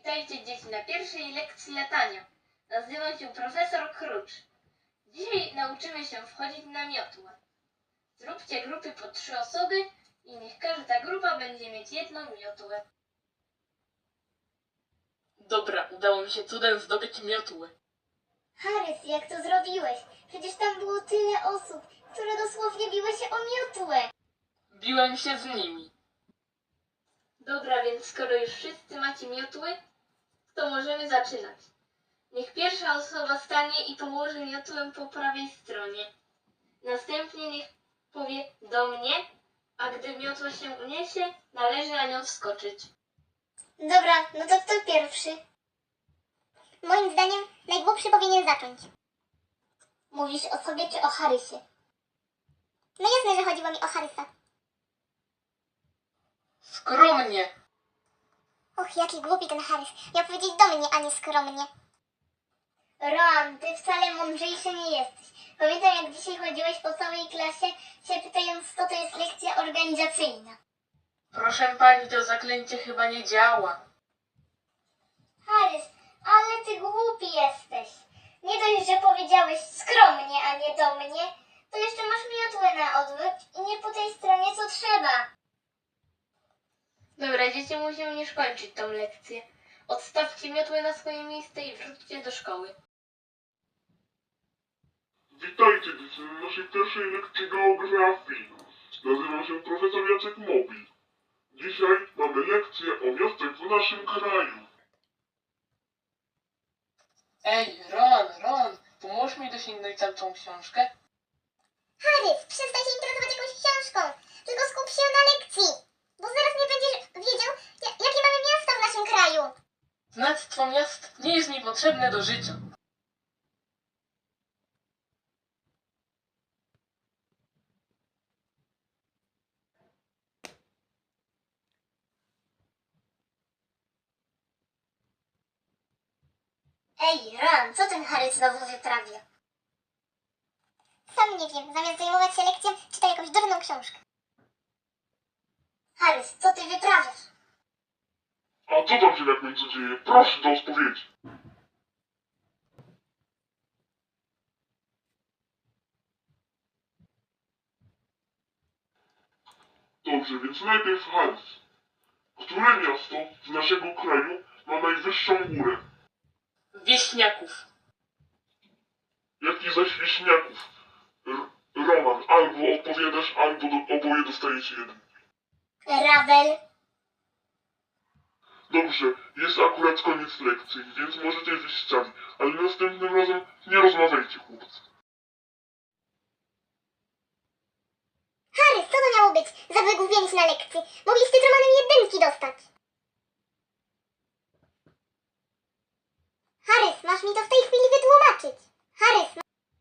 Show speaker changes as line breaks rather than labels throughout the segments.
Witajcie dzieci na pierwszej lekcji latania. Nazywam się profesor Krucz. Dzisiaj nauczymy się wchodzić na miotłę. Zróbcie grupy po 3 osoby i niech każda grupa będzie mieć jedną miotłę.
Dobra, udało mi się cudem zdobyć miotłę.
Harrys, jak to zrobiłeś? Przecież tam było tyle osób, które dosłownie biły się o miotłę.
Biłem się z nimi.
Dobra, więc skoro już wszyscy macie miotły, to możemy zaczynać. Niech pierwsza osoba stanie i położy miotłę po prawej stronie. Następnie niech powie do mnie, a gdy miotła się uniesie, należy na nią wskoczyć.
Dobra, no to kto pierwszy? Moim zdaniem najgłupszy powinien zacząć. Mówisz o sobie czy o Harrysie? No jasne, że chodziło mi o Harrysa.
Skromnie.
Och, jaki głupi ten Harrys. Miał powiedzieć do mnie, a nie skromnie. Ron, ty wcale mądrzejszy nie jesteś. Pamiętam, jak dzisiaj chodziłeś po całej klasie, się pytając, co to jest lekcja organizacyjna.
Proszę pani, to zaklęcie chyba nie działa.
Harrys, ale ty głupi jesteś. Nie dość, że powiedziałeś skromnie, a nie do mnie, to jeszcze masz miotłę na odwrót i nie po tej stronie, co trzeba.
Dobra, dzieci muszą już kończyć tą lekcję. Odstawcie miotłę na swoje miejsce i wróćcie do szkoły.
Witajcie dzieci na naszej pierwszej lekcji geografii. Nazywam się profesor Jacek Mobil. Dzisiaj mamy lekcję o miastach w naszym kraju.
Ej, Ron, pomóż mi dosięgnąć tamtą książkę.
Harrys, przestań się interesować jakąś książką, tylko skup się na lekcji, bo zaraz nie będziesz wiedział, jakie mamy miasta w naszym kraju.
Znactwo miast nie jest mi potrzebne do życia.
Ej, Ron, co ten Harrys znowu wyprawia? Sam nie wiem, zamiast zajmować się lekcją, czyta jakąś durną książkę. Harrys, co ty wyprawiasz?
A co tam się na końcu dzieje? Proszę do odpowiedzi. Dobrze, więc najpierw Harris. Które miasto z naszego kraju ma najwyższą górę?
Wieśniaków.
Jak i zaś wieśniaków? Roman, albo odpowiadasz, albo oboje dostajecie jeden.
Rabel.
Dobrze, jest akurat koniec lekcji, więc możecie wyjść z sali, ale następnym razem nie rozmawiajcie, chłopcy.
Harrys, co to miało być za wygłupienie się na lekcji? Mogliście z Romanem jedynki dostać. Harrys, masz mi to w tej chwili wytłumaczyć. Harrys,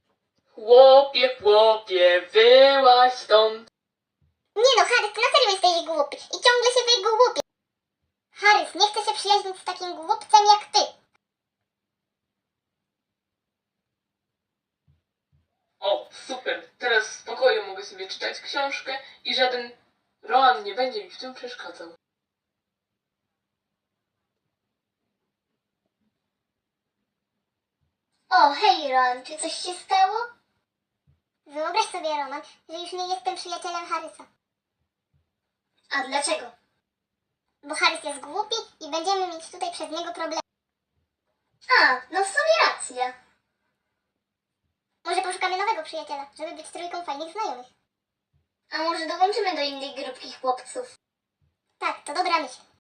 Chłopie, wyłaź stąd.
nie no, Harrys, ty na serio jesteś głupi i ciągle się wygłupi. Harrys, nie chcę się przyjaźnić z takim głupcem jak ty.
O, super, teraz w spokoju mogę sobie czytać książkę i żaden Roan nie będzie mi w tym przeszkadzał.
O, hej Ron, czy coś się stało? Wyobraź sobie, Roman, że już nie jestem przyjacielem Harrysa. A dlaczego? Bo Harrys jest głupi i będziemy mieć tutaj przez niego problemy. A, no w sumie racja. Może poszukamy nowego przyjaciela, żeby być trójką fajnych znajomych. A może dołączymy do innej grupki chłopców? Tak, to dobra myśl.